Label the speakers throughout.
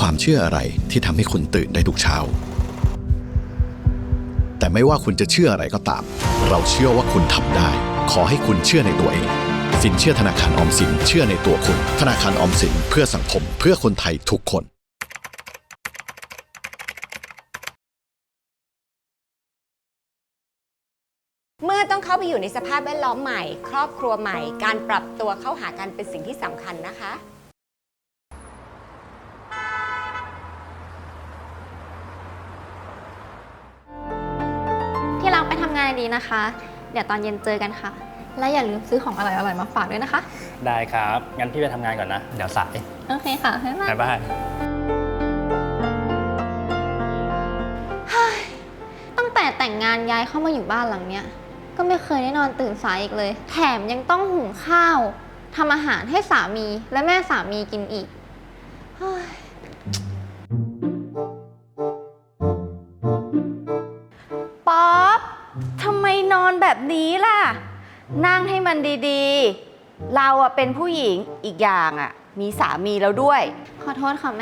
Speaker 1: ความเชื่ออะไรที่ทำให้คุณตื่นได้ทุกเช้าแต่ไม่ว่าคุณจะเชื่ออะไรก็ตามเราเชื่อว่าคุณทำได้ขอให้คุณเชื่อในตัวเองสินเชื่อธนาคารออมสินเชื่อในตัวคุณธนาคารออมสินเพื่อสังคมเพื่อคนไทยทุกคน
Speaker 2: เมื่อต้องเข้าไปอยู่ในสภาพแวดล้อมใหม่ครอบครัวใหม่การปรับตัวเข้าหากันเป็นสิ่งที่สำคัญนะคะ
Speaker 3: ที่รักไปทำงานดีนะคะ เดี๋ยวตอนเย็นเจอกันค่ะ และอย่าลืมซื้อของอร่อยๆมาฝากด้วยนะคะ
Speaker 4: ได้ครับ งั้นพี่ไปทำงานก่อนนะ เดี๋ยวสาย
Speaker 3: โอเคค่ะบ๊ายบาย
Speaker 4: บ๊ายบาย
Speaker 3: ตั้งแต่แต่งงานย้ายเข้ามาอยู่บ้านหลังเนี้ยก็ไม่เคยได้นอนตื่นสายอีกเลย แถมยังต้องหุงข้าวทำอาหารให้สามีและแม่สามีกินอีก
Speaker 5: ป๊อปทำไมนอนแบบนี้ล่ะ นั่งให้มันดีๆ เราอะเป็นผู้หญิงอีกอย่างอะมีสามีแล้วด้วย
Speaker 3: ขอโทษค่ะแม่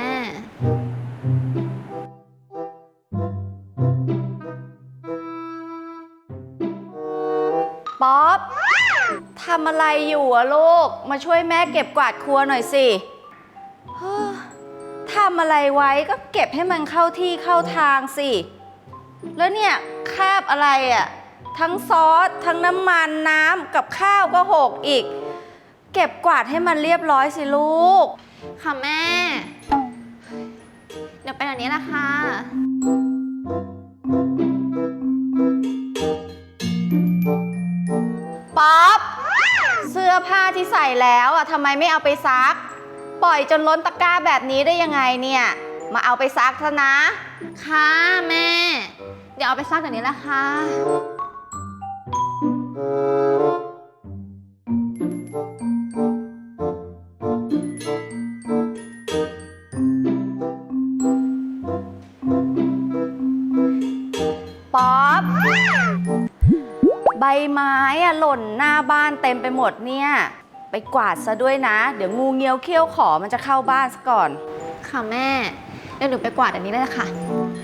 Speaker 5: ป๊อปทำอะไรอยู่อะลูก มาช่วยแม่เก็บกวาดครัวหน่อยสิเฮ้อทำอะไรไว้ก็เก็บให้มันเข้าที่เข้าทางสิ แล้วเนี่ยคราบอะไรอะทั้งซอสทั้งน้ำมันน้ำกับข้าวก็หกอีก เก็บกวาดให้มันเรียบร้อยสิลูก
Speaker 3: ค่ะแม่ เดี๋ยวไปแบบนี้แหละค่ะ
Speaker 5: ป๊อปเสื้อผ้าที่ใส่แล้วอ่ะทำไมไม่เอาไปซัก ปล่อยจนล้นตะกร้าแบบนี้ได้ยังไงเนี่ย มาเอาไปซักซะนะ
Speaker 3: ค่ะแม่ เดี๋ยวเอาไปซักเดี๋ยวนี้แหละค่ะ
Speaker 5: ป๊อปใบไม้อะหล่นหน้าบ้านเต็มไปหมดเนี่ย ไปกวาดซะด้วยนะ เดี๋ยวงูเงี้ยวเขี้ยวขอมันจะเข้าบ้านซะก่อน
Speaker 3: ค่ะแม่ เดี๋ยวหนูไปกวาดอันนี้เลยละค่ะ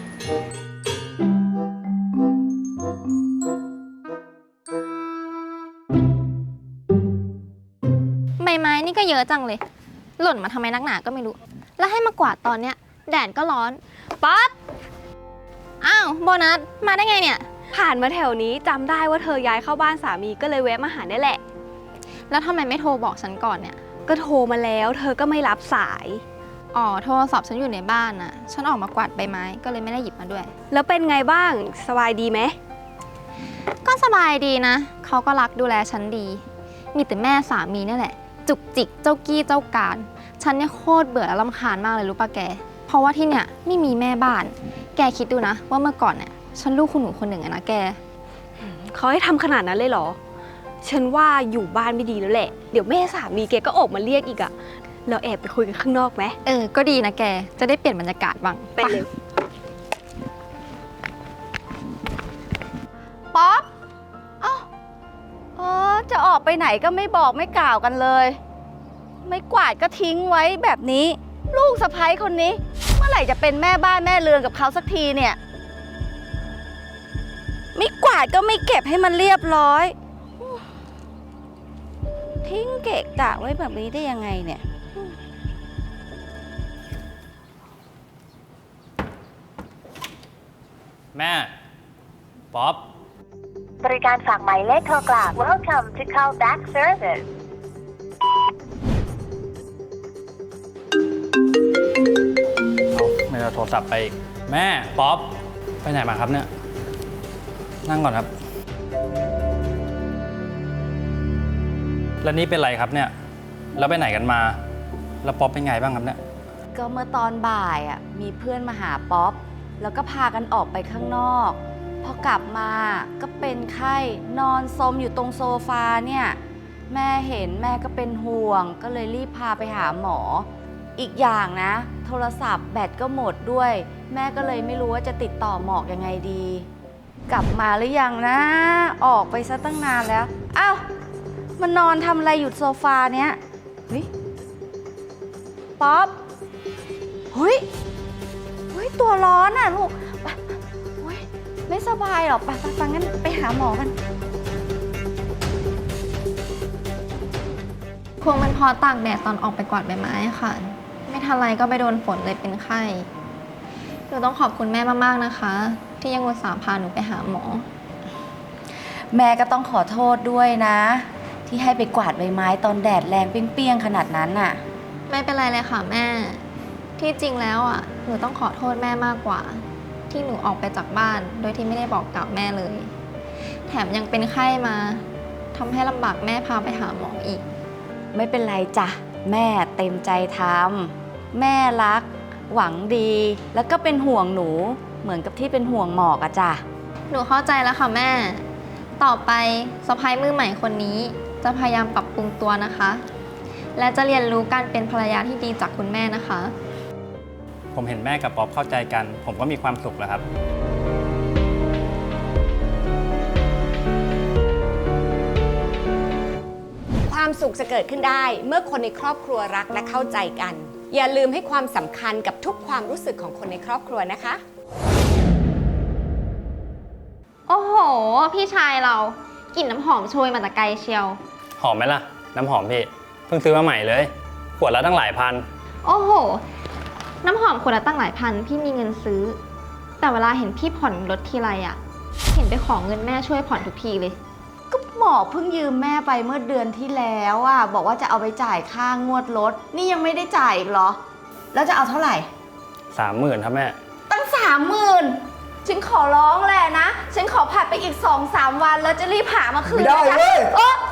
Speaker 3: ใบไม้นี่ก็เยอะจังเลย หล่นมาทำไมนักหนาก็ไม่รู้ แล้วให้มากวาดตอนเนี้ยแดดก็ร้อน ป๊อปอ้าวโบนัสมาได้ไงเนี่ย
Speaker 6: ผ่านมาแถวนี้จำได้ว่าเธอย้ายเข้าบ้านสามีก็เลยแวะมาหาได้แหละ
Speaker 3: แล้วทำไมไม่โทรบอกฉันก่อนเนี่ย
Speaker 6: ก็โทรมาแล้วเธอก็ไม่รับสาย
Speaker 3: อ๋อโทรศัพท์ฉันอยู่ในบ้านน่ะ ฉันออกมากวาดใบไม้ก็เลยไม่ได้หยิบมาด้วย
Speaker 6: แล้วเป็นไงบ้างสบายดีไหม
Speaker 3: ก็สบายดีนะ เขาก็รักดูแลฉันดี มีแต่แม่สามีนี่แหละ จุกจิกเจ้ากี้เจ้าการ ฉันเนี่ยโคตรเบื่อและรำคาญมากเลยรู้ปะแก เพราะว่าที่เนี่ยไม่มีแม่บ้าน แกคิดดูนะว่าเมื่อก่อนเนี่ยฉันลูกคุณหนูคนหนึ่งอะนะแก
Speaker 6: เขาให้ทำขนาดนั้นเลยเหรอ ฉันว่าอยู่บ้านไม่ดีแล้วแหละ เดี๋ยวแม่สามีแกก็ออกมาเรียกอีกอะเราแอบไปคุยกันข้างนอกไหม
Speaker 3: ก็ดีนะแก จะได้เปลี่ยนบรรยากาศบ้าง
Speaker 6: ไปเลย
Speaker 5: ป๊อปเอ้าจะออกไปไหนก็ไม่บอกไม่กล่าวกันเลย ไม่กวาดก็ทิ้งไว้แบบนี้ ลูกสะใภ้คนนี้ เมื่อไหร่จะเป็นแม่บ้านแม่เรือนกับเขาสักทีเนี่ย ไม่กวาดก็ไม่เก็บให้มันเรียบร้อย ทิ้งเกะกะไว้แบบนี้ได้ยังไงเนี่ย
Speaker 4: แม่ ป๊อป
Speaker 7: บริการฝากหมายเลขโทรกลับ Welcome to call back service
Speaker 4: ไม่เอาโทรศัพท์ไปอีกแม่ ป๊อป ไปไหนมาครับเนี่ย นั่งก่อนครับ แล้วนี่เป็นไรครับเนี่ย แล้วไปไหนกันมา แล้วป๊อปเป็นไงบ้างครับเนี่ย
Speaker 5: ก็เมื่อตอนบ่ายอ่ะมีเพื่อนมาหาป๊อปแล้วก็พากันออกไปข้างนอกพอกลับมาก็เป็นไข้นอนซมอยู่ตรงโซฟาเนี่ยแม่เห็นแม่ก็เป็นห่วงก็เลยรีบพาไปหาหมออีกอย่างนะโทรศัพท์แบตก็หมดด้วย แม่ก็เลยไม่รู้ว่าจะติดต่อหมอกยังไงดี กลับมาหรือยังนะออกไปซะตั้งนานแล้วอ้าวมันนอนทำอะไรอยู่โซฟาเนี้ยเฮ้ยป๊อป เฮ้ยพี่ตัวร้อนอ่ะลูกไปโอ๊ยไม่สบายหรอไปงั้นไปหาหมอกัน
Speaker 3: คงเป็นเพราะตากแดดตอนออกไปกวาดใบไม้ค่ะ ไม่ทันไรก็ไปโดนฝนเลยเป็นไข้หนูต้องขอบคุณแม่มากๆนะคะ ที่ยังอุตส่าห์พาหนูไปหาหมอ
Speaker 5: แม่ก็ต้องขอโทษด้วยนะ ที่ให้ไปกวาดใบไม้ตอนแดดแรงเปรี้ยงๆขนาดนั้นน่ะ
Speaker 3: ไม่เป็นไรเลยค่ะแม่ ที่จริงแล้วอ่ะหนูต้องขอโทษแม่มากกว่า ที่หนูออกไปจากบ้าน โดยที่ไม่ได้บอกกล่าวแม่เลย แถมยังเป็นไข้มาทำให้ลำบากแม่พาไปหาหมออีก
Speaker 5: ไม่เป็นไรจ้ะแม่เต็มใจทำแม่รัก หวังดี แล้วก็เป็นห่วงหนู เหมือนกับที่เป็นห่วงหมอกอะจ้ะ
Speaker 3: หนูเข้าใจแล้วค่ะแม่ ต่อไปสะใภ้มือใหม่คนนี้ จะพยายามปรับปรุงตัวนะคะ และจะเรียนรู้การเป็นภรรยาที่ดีจากคุณแม่นะคะ
Speaker 4: ผมเห็นแม่กับป๊อปเข้าใจกัน ผมก็มีความสุขแล้วครับ
Speaker 2: ความสุขจะเกิดขึ้นได้เมื่อคนในครอบครัวรักและเข้าใจกัน อย่าลืมให้ความสำคัญกับทุกความรู้สึกของคนในครอบครัวนะคะ
Speaker 3: โอ้โห พี่ชายเรากลิ่นน้ำหอมโชยมาแต่ไกลเชียว
Speaker 4: หอมไหมล่ะ น้ำหอมพี่ เพิ่งซื้อมาใหม่เลย ขวดละตั้งหลายพัน
Speaker 3: โอ้โห น้ำหอมคนละตั้งหลายพันพี่มีเงินซื้อ แต่เวลาเห็นพี่ผ่อนรถทีไรอะเห็นไปขอเงินแม่ช่วยผ่อนทุกทีเลย
Speaker 5: ก็หมอเพิ่งยืมแม่ไปเมื่อเดือนที่แล้วอะบอกว่าจะเอาไปจ่ายค่างวดรถ นี่ยังไม่ได้จ่ายอีกเหรอ แล้วจะเอาเท่าไหร่
Speaker 4: 30,000ครับแม่
Speaker 5: ตั้ง30,000ฉันขอร้องแหละนะ ฉันขอผัดไปอีก 2-3 วันแล้วจะรีบหามาคืน
Speaker 8: ไม่ได้
Speaker 5: นะ
Speaker 8: เว้ย
Speaker 5: โอ๊ะ